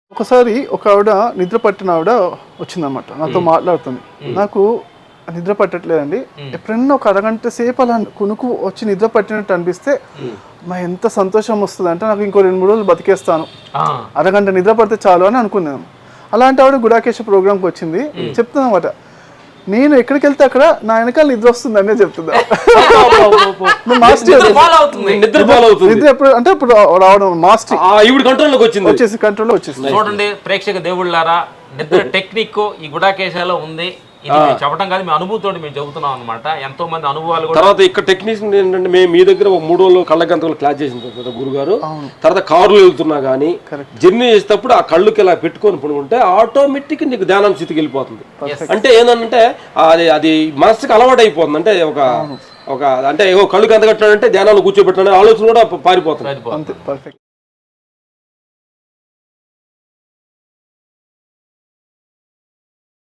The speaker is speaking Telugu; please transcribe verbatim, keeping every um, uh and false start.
ఒకసారి ఒక ఆవిడ నిద్ర పట్టిన ఆవిడ వచ్చిందన్నమాట, నాతో మాట్లాడుతుంది. నాకు నిద్ర పట్టట్లేదండి, ఎప్పుడన్నా ఒక అరగంట సేపు అలా కునుకు వచ్చి నిద్ర పట్టినట్టు అనిపిస్తే మా ఎంత సంతోషం వస్తుంది అంటే నాకు ఇంకో రెండు మూడు రోజులు బతికేస్తాను, అరగంట నిద్ర పడితే చాలు అని అనుకున్నాను. అలాంటి ఆవిడ గుడాకేశ ప్రోగ్రామ్కి వచ్చింది. చెప్తుందన్నమాట, నేను ఎక్కడికి వెళ్తే అక్కడ నా వెనకాల నిద్ర వస్తుంది అనే చెప్తుందా. నిద్ర ఎప్పుడు అంటే ఇప్పుడు రావడం మాస్టర్ కంట్రోల్లోకి వచ్చింది, వచ్చేసి కంట్రోల్లో వచ్చేసి. చూడండి ప్రేక్షక దేవుళ్ళారా, నిద్ర టెక్నిక్ ఈ గుడాకేశాలో ఉంది. ఇది మేము చెప్పడం కాదు, మీ అనుభూతితో మేము చెబుతున్నాం అనమాట. ఎంతో మంది అనుభవాలు కూడా. తర్వాత ఇక్కడ టెక్నీషియన్ ఏంటంటే మేము మీ దగ్గర ఒక మూడు రోజులు కళ్ళ గంతలు క్లాస్ చేసిన తర్వాత గురుగారు, తర్వాత కారులో వెళ్తున్నా కానీ జర్నీ చేసేటప్పుడు ఆ కళ్ళుకి ఇలా పెట్టుకొని పడుకుంటే ఆటోమేటిక్ నీకు ధ్యానం స్థితికి వెళ్ళిపోతుంది. అంటే ఏంటంటే అది అది మనసుకి అలవాటు అయిపోతుంది. అంటే ఒక ఒక అంటే కళ్ళు గంత కట్టాడంటే ధ్యానాలు కూర్చోబెట్టాలని ఆలోచన కూడా పారిపోతుంది. పర్ఫెక్ట్.